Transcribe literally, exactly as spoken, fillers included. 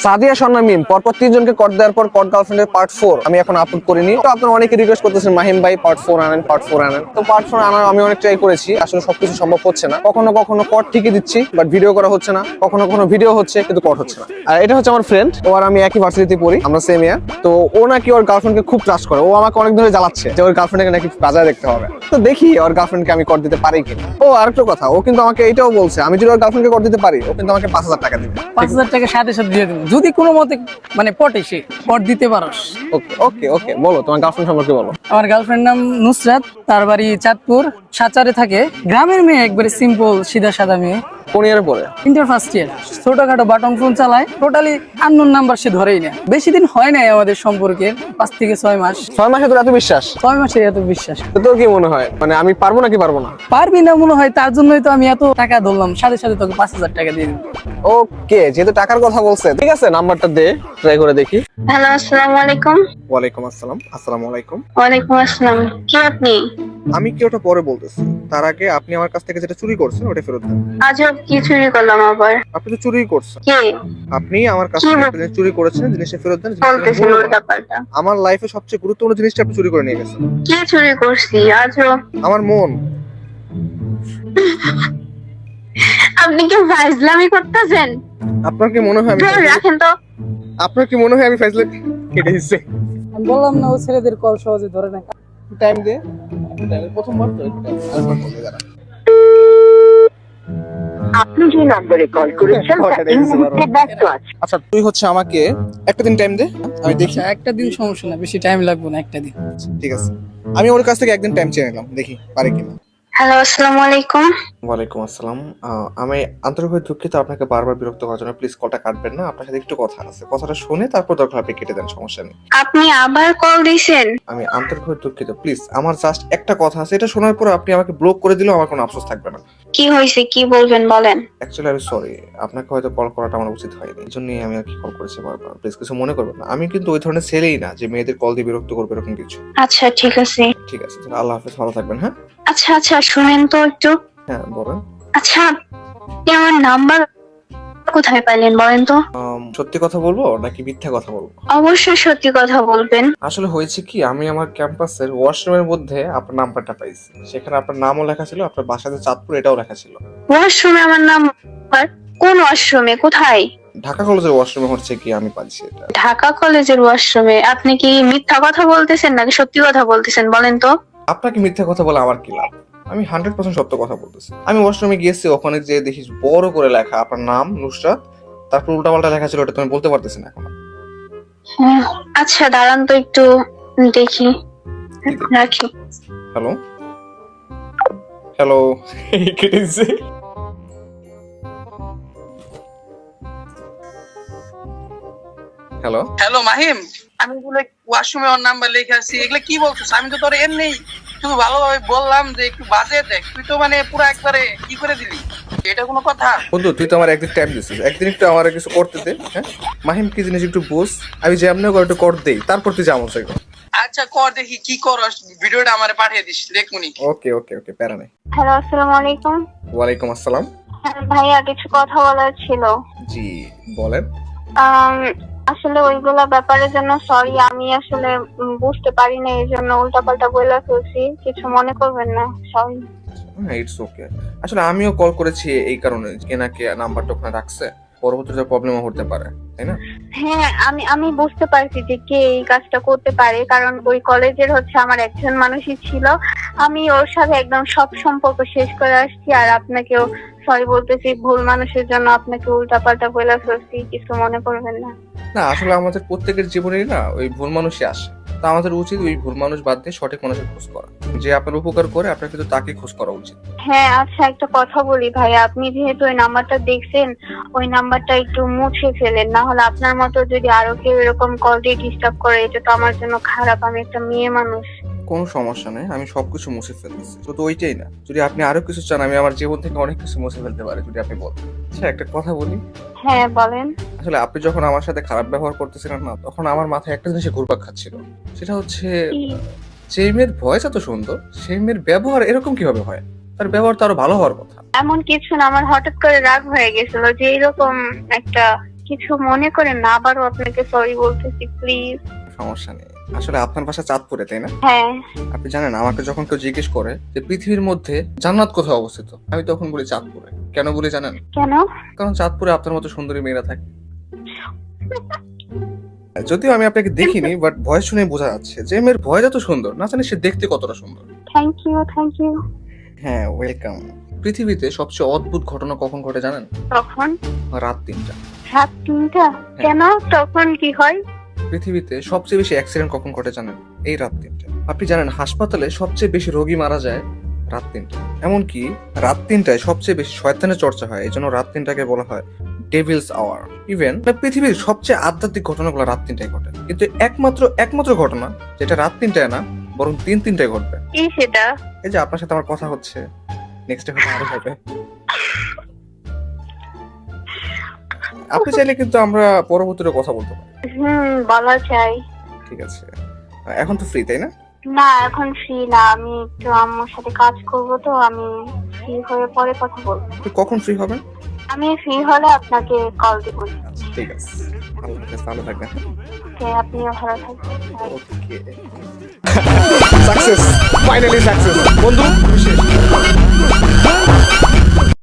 সাদিয়া স্বর্ণা মিম পরপর তিনজনকে কট দেওয়ার পর কট গার্লফ্রেন্ডের পার্ট ফোর আমি এখন আপলোড করিনি। তো আপনারা অনেকে রিকোয়েস্ট করতেছেন মাহিম ভাই পার্ট ফোর আনেন পার্ট ফোর আনেন। তো পার্ট ফোর আনার আমি অনেক ট্রাই করেছি, আসলে সবকিছু সম্ভব হচ্ছে না। কখনো কখনো কট ঠিকই দিচ্ছি বাট ভিডিও করা হচ্ছে না, কখনো কখনো ভিডিও হচ্ছে কিন্তু কট হচ্ছে না। আর এটা হচ্ছে আমার ফ্রেন্ড, ও আর আমি একই ভার্সিটিতে পড়ি, আমরা সেম ইয়ার। তো ও নাকি ওর গার্লফ্রেন্ডকে খুব ট্রাস্ট করে, ও আমাকে অনেক ধরে জ্বালাচ্ছে যে ওর গার্লফ্রেন্ডকে নাকি বাজারে দেখতে হবে। তো দেখি ওর গার্লফ্রেন্ডকে আমি কট দিতে পারি কিনা। ও আরেকটা কথা, ও কিন্তু আমাকে এটাও বলছে আমি যদি ওর গার্লফ্রেন্ডকে কট দিতে পারি ও কিন্তু আমাকে পাঁচ হাজার টাকা দিবে। পাঁচ হাজার টাকা সাথে সাথে দিয়ে দেবো যদি কোনো মতে মানে পটে সে পট দিতে পারস। ওকে ওকে ওকে বলো তোমার গার্লফ্রেন্ড সম্পর্কে বলো। আমার গার্লফ্রেন্ড নাম নুসরাত, তার বাড়ি চাঁদপুর, সাচারে থাকে। গ্রামের মেয়ে, একবারে সিম্পল সিধা সাদা মেয়ে। কোন ইয়ারে পড়ে? Inter first year. ছোটখাটো বাটন ফোন চালায়, টোটালি আননোন নাম্বার সে ধরেই না। বেশি দিন হয় নাই আমাদের সম্পর্কের, পাঁচ থেকে ছয় মাস। ছয় মাসে তোর এত বিশ্বাস? ছয় মাসে এত বিশ্বাস? তো তোর কি মনে হয় মানে আমি পারবো নাকি পারবো না? পারবি না মনে হয়, তার জন্যই তো আমি এত টাকা ধরলাম, সাথে সাথে তোকে পাঁচ হাজার টাকা দিয়ে দিবো। ওকে, যেহেতু টাকার কথা বলছে ঠিক আছে নাম্বারটা দে, ট্রাই করে দেখি। হ্যালো, আসসালামু আলাইকুম। ওয়ালাইকুম আসসালাম। আসসালামু আলাইকুম। ওয়ালাইকুম আসসালাম। কে আপনি? আমি কি ওটা পরে বলতেছি, তার আগে আপনি আমার কাছ থেকে যেটা চুরি করছেন ওটা ফেরত দেন। আজব, কি চুরি করলাম আবার? আপনি তো চুরি করছেন। কে আপনি আমার কাছ কি থেকে বল- একটা জিনিস চুরি করেছেন, জিনিসটা ফেরত দেন। জিনিসটা বলতেছেন মূল্যবান। উল্টা পাল্টা? আমার লাইফে সবচেয়ে গুরুত্বপূর্ণ জিনিসটা আপনি চুরি করে নিয়ে গেছেন। কি চুরি করছি? আজব, আমার মন। আপনি কি ফাজলামি করতেছেন? আপনার কি মনে হয় আমি ধরে রাখেন তো। আপনার কি মনে হয় আমি ফাইজলে কেটে দিচ্ছি? আমি বললাম না, ও ছেলেদের কল সহজে ধরে না। টাইম দে। টাইম প্রথমবার তো একটু time, আরেকবার বলতে দাঁড়া। আপনি যে নম্বরে কল করেছেন তা এই মুহূর্তে ব্যস্ত আছে। আচ্ছা তুই হচ্ছে আমাকে একটা দিন টাইম দে, আমি দেখি। আচ্ছা, একটা দিন সমস্যা না, বেশি টাইম লাগবে না, একটা দিন। ঠিক আছে, আমি ওর কাছ থেকে একদিন টাইম চেয়ে নিলাম, দেখি পারে কিনা। হ্যালো, আসসালামু আলাইকুম। ওয়ালাইকুম আসসালাম। আহ, আমি আন্তরিকভাবে দুঃখিত আপনাকে বারবার বিরক্ত করার জন্য। প্লিজ কলটা কাটবেন না, আপনার সাথে একটু কথা আছে। কথাটা শুনে তারপর দরকার আপনি কেটে দেন, সমস্যা নেই। আপনি আবার কল দিয়েছেন? আমি আন্তরিকভাবে দুঃখিত, প্লিজ আমার জাস্ট একটা কথা আছে, এটা শোনার পর আপনি আমাকে ব্লক করে দিলেও আমার কোনো আফসোস থাকবে না। কি হয়েছে, কি বলবেন বলেন। অ্যাকচুয়ালি আমি সরি, আপনাকে হয়তো কল করাটা আমার উচিত হয়নি, এই জন্যই আমি আর কি কল করেছি বারবার। প্লিজ কিছু মনে করবেন না, আমি কিন্তু ওই ধরনের ছেলেই না যে মেয়েদের কল দিয়ে বিরক্ত করবে এরকম কিছু। আচ্ছা ঠিক আছে। ঠিক আছে, তাহলে আল্লাহ হাফেজ, ভালো থাকবেন। হ্যাঁ আচ্ছা আচ্ছা, শুনেন তো একটু। হ্যাঁ বলেন। আচ্ছা, আপনি আমার নাম্বার কোথায় পাইলেন বলেন তো? আম, সত্যি কথা বলবো নাকি মিথ্যা কথা বলবো? অবশ্যই সত্যি কথা বলবেন। আসলে হয়েছে কি, আমি আমার ক্যাম্পাসের ওয়াশরুমের মধ্যে আপনার নাম্বারটা পাইছি, সেখানে আপনার নামও লেখা ছিল, আপনার বাসাতে চাঁদপুর এটাও লেখা ছিল। ওয়াশরুমে আমার নাম্বার? কোন ওয়াশরুমে, কোথায়? ঢাকা কলেজের ওয়াশরুমে হচ্ছে কি আমি পাইছি এটা। ঢাকা কলেজের ওয়াশরুমে? আপনি কি মিথ্যা কথা বলতেছেন নাকি সত্যি কথা বলতেছেন বলেন তো? আপনাকে মিথ্যা কথা বলে আমার কি লাভ? আমি হান্ড্রেড পার্সেন্ট সত্য কথা বলতেছি। আমি ওয়াশরুমে গিয়েছি, ওখানে যে দেখি বড় করে লেখা আপনার নাম নুসরাত, তারপর উল্টাপাল্টা লেখা ছিল, ওটা তুমি বলতে পারতেছি না এখন। হ্যাঁ, আচ্ছা দাঁড়ান তো একটু দেখি, রাখি। হ্যালো হ্যালো কেটে দিছে। হ্যালো হ্যালো মাহিম, আমি এগুলো ওয়াশরুমে ওর নাম্বার লিখে আসছি, এগুলো কি বলছিস? আমি তো তোর এমনি শুধু ভালোভাবে বললাম যে একটু বাজে দেখ, তুই তো মানে পুরো একবারে কি করে দিলি, এটা কোনো কথা? বন্ধু তুই তো আমার একদিন টাইম দিছিস, একদিন একটু আমার কিছু করতে দে। হ্যাঁ মাহিম কি জিনিস একটু বুঝ, আমি যেমনি করে একটু কর দেই, তারপর তুই যেমন চাই। আচ্ছা কর দেখি কি করস, ভিডিওটা আমারে পাঠিয়ে দিস দেখুনি। ওকে ওকে ওকে প্যারা নেই। হ্যালো, আসসালামু আলাইকুম। ওয়ালাইকুম আসসালাম। হ্যাঁ, ভাইয়া কিছু কথা বলার ছিল। জি বলেন। আম, আসলে ওইগুলা ব্যাপারের জন্য সরি, আমি আসলে উম, বুঝতে পারি না, এই জন্য উল্টাপাল্টা বলে ফেলছি, কিছু মনে করবেন না, সরি। হ্যাঁ ইটস ওকে। আসলে আমিও কল করেছি এই কারণে, কে না কে নাম্বারটা ওখানে রাখছে, পরবর্তীতে প্রবলেমও হতে পারে, তাই না? হ্যাঁ, আমি আমি বুঝতে পারছি যে কে এই কাজটা করতে পারে, কারণ ওই কলেজের হচ্ছে আমার একজন মানুষই ছিল, আমি ওর সাথে একদম সব সম্পর্ক শেষ করে আসছি, আর আপনাকেও সরি বলতেছি, ভুল মানুষের জন্য আপনাকে উল্টাপাল্টা বলে ফেলছি, কিছু মনে করবেন না। না আসলে আমাদের প্রত্যেকের জীবনেই না ওই ভুল মানুষই আসে, তা আমাদের উচিত ওই ভুল মানুষ বাদ দিয়ে সঠিক মানুষের খোঁজ করা, যে আপনার উপকার করে আপনার কিন্তু তাকে খোঁজ করা উচিত। হ্যাঁ আচ্ছা, একটা কথা বলি ভাইয়া, আপনি যেহেতু ওই নাম্বারটা দেখছেন, ওই নাম্বারটা একটু মুছে ফেলেন, না হলে আপনার মতো যদি আরো কেউ এরকম কল দিয়ে ডিস্টার্ব করে, এটা তো আমার জন্য খারাপ, আমি একটা মেয়ে মানুষ। কোনো সমস্যা নেই, আমি সবকিছু মুছে ফেলতেছি, শুধু ওইটাই না, যদি আপনি আরো কিছু চান আমি আমার জীবন থেকে অনেক কিছু মুছে ফেলতে পারি যদি আপনি বলেন। আচ্ছা একটা কথা বলি, হ্যাঁ বলেন। আসলে আপনি যখন আমার সাথে খারাপ ব্যবহার করতেছিলেন না, তখন আমার মাথায় একটা জিনিস ঘুরপাক খাচ্ছিল, সেটা হচ্ছে কি? যে মেয়ের ভয়েস এত সুন্দর সেই মেয়ের ব্যবহার এরকম কিভাবে হয়? তার ব্যবহার তো আরো ভালো হওয়ার কথা। এমন কিছু না, আমার হঠাৎ করে রাগ হয়ে গেছিল যে এরকম একটা কিছু মনে করেন না, আবারও আপনাকে সরি বলতেছি প্লিজ। সমস্যা নেই, আসলে আপনার বাসা চাঁদপুরে তাই না? হ্যাঁ। আপনি জানেন আমাকে যখন কেউ জিজ্ঞেস করে যে পৃথিবীর মধ্যে জান্নাত কোথায় অবস্থিত, আমি তখন বলি চাঁদপুরে। কেন বলি জানেন? কেন? কারণ চাঁদপুরে আপনার মতো সুন্দরী মেয়েরা থাকে। যদিও আমি আপনাকে দেখিনি, বাট ভয়েস শুনে বোঝা যাচ্ছে যে মেয়ের ভয়েস এত সুন্দর, না জানি সে দেখতে কতটা সুন্দর। Thank you, thank you. হ্যাঁ, ওয়েলকাম। পৃথিবীতে সবচেয়ে অদ্ভুত ঘটনা কখন ঘটে জানেন? তখন রাত তিনটা। রাত তিনটা? কেন, তখন কি হয়? পৃথিবীতে সবচেয়ে বেশি অ্যাক্সিডেন্ট কখন ঘটে জানেন? এই রাত তিনটা। আপনি জানেন হাসপাতালে সবচেয়ে বেশি রোগী মারা যায় রাত তিনটা। এমনকি রাত তিনটায় সবচেয়ে বেশি শয়তানের চর্চা হয়, এই জন্য রাত তিনটাকে বলা হয় ডেভিলস আওয়ার। ইভেন পৃথিবীর সবচেয়ে আধ্যাত্মিক ঘটনাগুলো রাত তিনটায় ঘটে, কিন্তু একমাত্র একমাত্র ঘটনা যেটা রাত তিনটায় না বরং তিন তিনটায় ঘটবে। কি সেটা? এই যে আপনার সাথে আমার কথা হচ্ছে, নেক্সট হয়তো আরো হবে। আপনি চাইলে কিন্তু আমরা পরবর্তীতে কথা বলতে পারি। হুম, বলা চাই। ঠিক আছে, এখন তো ফ্রি তাই না? না, এখন ফ্রি না, আমি একটু আম্মুর সাথে কাজ করব, তো আমি ফ্রি হয়ে পরে কথা বলবো। আপনি কখন ফ্রি হবেন? আমি ফ্রি হলে আপনাকে কল দিব। ঠিক আছে, ভালো থাকবেন, ভালো থাকবেন। ওকে, আপনিও ভালো থাকবেন। ওকে, সাকসেস, ফাইনালি সাকসেস বন্ধু।